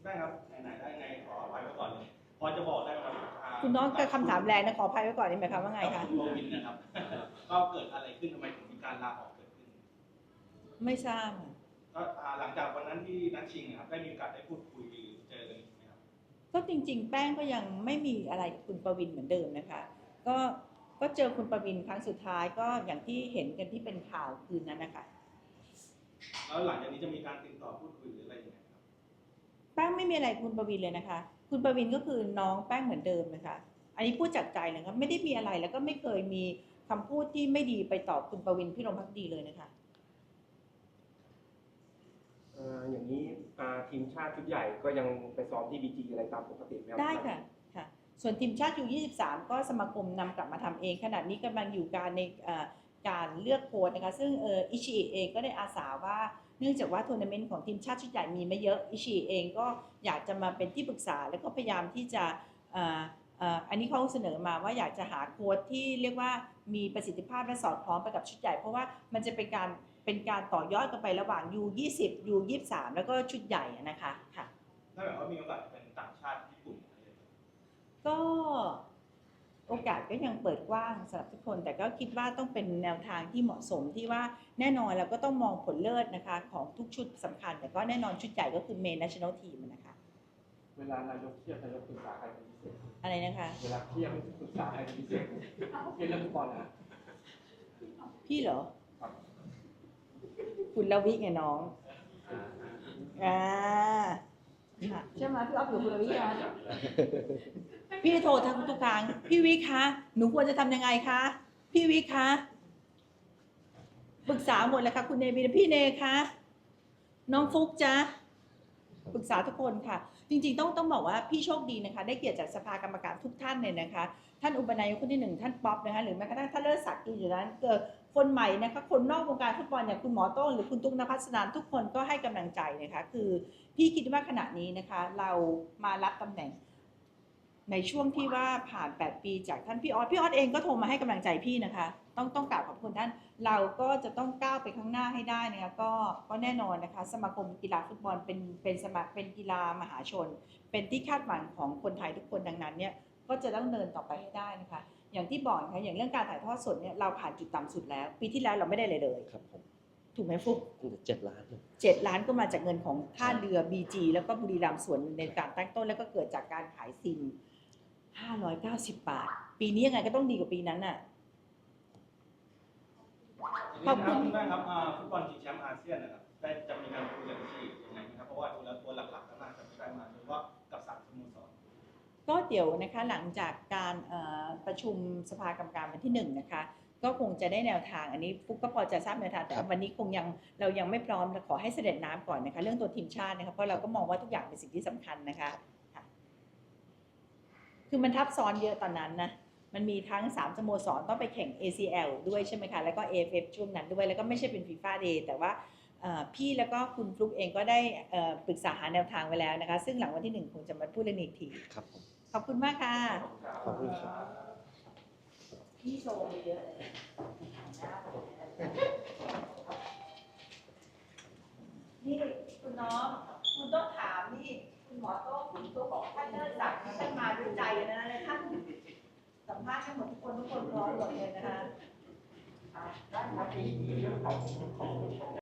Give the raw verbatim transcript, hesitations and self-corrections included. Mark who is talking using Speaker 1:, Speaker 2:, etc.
Speaker 1: ได้ครับไหนๆได้ไงขออภัยไว้ก่อนเลยพอจะบอกได้ไหมครับ
Speaker 2: คุณน้องกับคำถามแรงนะขออภัยไว้ก่อนนี่หมายความว่าไงคะ
Speaker 1: คุณโรวินนะครับก็เกิดอะไรขึ้นทำไมถึงมีการลาออกเกิดขึ้น
Speaker 2: ไม่ทราบ
Speaker 1: ก็หลังจากวันนั้นที่นัดชิงครับได้มีโอกาสได้พูดคุยเจอกันไหมครับ
Speaker 2: ก็จริงๆแป้งก็ยังไม่มีอะไรกับคุณประวินเหมือนเดิมนะคะก็ก็เจอคุณประวินครั้งสุดท้ายก็อย่างที่เห็นกันที่เป็นข่าวคืนนั้นนะคะ
Speaker 1: แล้วหลังจากนี้จะมีการติดต่อพูดคุยหรืออะไรยังไงครับ
Speaker 2: แป้งไม่มีอะไรคุณประวินเลยนะคะคุณประวินก็คือน้องแป้งเหมือนเดิมนะคะอันนี้พูดจากใจเลยครับไม่ได้มีอะไรแล้วก็ไม่เคยมีคำพูดที่ไม่ดีไปตอบคุณประวินพี่รมภักดีเลยนะคะ
Speaker 3: อย่างนี้ทีมชาติชุดใหญ่ก็ยังไปซ้อมที่บีจีอะไรตามปกติไหมครับ
Speaker 2: ได้ค่ะค่ะส่วนทีมชาติยูยี่สิบสามก็สมาคมนำกลับมาทำเองขณะนี้กำลังอยู่การในการเลือกโค้ชนะคะซึ่งเอออิชิเองก็ได้อาสาว่าเนื่องจากว่าทัวร์นาเมนต์ของทีมชาติชุดใหญ่มีไม่เยอะอิชิเองก็อยากจะมาเป็นที่ปรึกษาแล้วก็พยายามที่จะอันนี้เขาเสนอมาว่าอยากจะหาโค้ชที่เรียกว่ามีประสิทธิภาพและสอดคล้องไปกับชุดใหญ่เพราะว่ามันจะเป็นการเป็นการต่อยอดกันไประหว่าง ยู ยี่สิบ ยู ยี่สิบสาม แล้วก็ชุดใหญ่นะคะค่ะ
Speaker 1: ถ้าแบบว่ามีโอกาสเป็นต่างชาติญี่ปุ่น
Speaker 2: ก็โอกาสก็ยังเปิดกว้างสำหรับทุกคนแต่ก็คิดว่าต้องเป็นแนวทางที่เหมาะสมที่ว่าแน่นอนเราก็ต้องมองผลเลิศนะคะของทุกชุดสำคัญแต่ก็แน่นอนชุดใหญ่ก็คือเมน national team นะคะ
Speaker 3: เวลานายกเครียดนายกปรึกษาใครเป็นพิเศษ
Speaker 2: อะไรนะคะ
Speaker 3: เวลาเครียดปรึกษาใครเป็นพิเศษเครียดเรื่องฟุตบอลนะ
Speaker 2: พี่เหรอคุณลวิไงน้องอ่าใช่ไหมพี่อ๊อฟอยู่คุณลวิอ่ะพี่โทรทางทุกครั้งพี่วิคะหนูควรจะทำยังไงคะพี่วิคะปรึกษาหมดเลยค่ะคุณเนวีพี่เนคะน้องฟุกจ๊ะปรึกษาทุกคนค่ะจริงๆต้องต้องบอกว่าพี่โชคดีนะคะได้เกียรติจากสภากรรมการทุกท่านเลยนะคะท่านอุปนายกคนที่หนึ่งท่านป๊อปนะคะหรือแม้กระทั่งท่านเลิศศักดิ์อยู่นั้นเกิดคนใหม่นะคะคนนอกวงการฟุตบอลอย่างคุณหมอโต้งหรือคุณตุ๊กนภัสนานทุกคนก็ให้กำลังใจนะคะคือพี่คิดว่าขณะนี้นะคะเรามารับตำแหน่งในช่วงที่ว่าผ่านแปดปีจากท่านพี่ออสพี่ออสเองก็โทรมาให้กำลังใจพี่นะคะต้องต้องกราบขอบคุณท่านเราก็จะต้องก้าวไปข้างหน้าให้ได้นะคะก็ก็แน่นอนนะคะสมาคมกีฬาฟุตบอลเป็นเป็นสมาเป็นกีฬามหาชนเป็นที่คาดหวังของคนไทยทุกคนดังนั้นเนี่ยก็จะต้องเดินต่อไปให้ได้นะคะอย่างที่บอกนะคะอย่างเรื่องการถ่ายทอดสดเนี่ยเราผ่านจุดต่ำสุดแล้วปีที่แล้วเราไม่ได้เลยเลย
Speaker 4: ครับผม
Speaker 2: ถูกไหมฟุก
Speaker 4: เจ็ดล้าน
Speaker 2: เจ็ดล้านก็มาจากเงินของท่าเรือ บี จี แล้วก็บุรีรัมย์ส่วนในการตั้งต้นแล้วก็เกิดจากการขายซิมห้าร้อยเก้าสิบบาทปีนี้ยังไงก็ต้องดีกว่าปีนั้นน่ะ
Speaker 1: ขอบคุณมากครับฟุตบอลชิงแชมป์อาเซียนนะครับได้จะมีการคุยกับที่ยังไงนะครับเพราะว่าตัวละตัวหลักๆก็น่าจะได้มาโดยเฉพาะกับสามสโมสร
Speaker 2: ก็เดี๋ยวนะคะหลังจากการประชุมสภากรรมการวันที่หนึ่งนะคะก็คงจะได้แนวทางอันนี้ฟุกก็พอจะทราบแนวทางแต่วันนี้คงยังเรายังไม่พร้อมขอให้เสด็จน้ำก่อนนะคะเรื่องตัวทีมชาตินะคะเพราะเราก็มองว่าทุกอย่างเป็นสิ่งที่สำคัญนะคะคือมันทับซ้อนเยอะตอนนั้นนะมันมีทั้งสามสโมสรต้องไปแข่ง เอ ซี แอล ด้วยใช่ไหมคะแล้วก็ เอ เอฟ เอฟ ช่วงนั้นด้วยแล้วก็ไม่ใช่เป็น ฟีฟ่า Day แต่ว่าพี่แล้วก็คุณฟลุ๊กเองก็ได้ปรึกษาหาแนวทางไว้แล้วนะคะซึ่งหลังวันที่หนึ่งคงจะมาพูดเรื่องนี้อีกที
Speaker 4: ครับ
Speaker 2: ขอบคุณมากค่ะ
Speaker 4: ขอบคุณครับ
Speaker 2: พี่โชว์เยอะเลยนี่คุณน้องคุณต้องถามนี่คุณหมอโต้คุณตัวบอกท่านเลิศศักดิ์ท่านมาด้วยใจนะเลยท่านสัมภาษณ์ทั้งหมดทุกคนทุกคนพร้อมหมดเลยนะคะ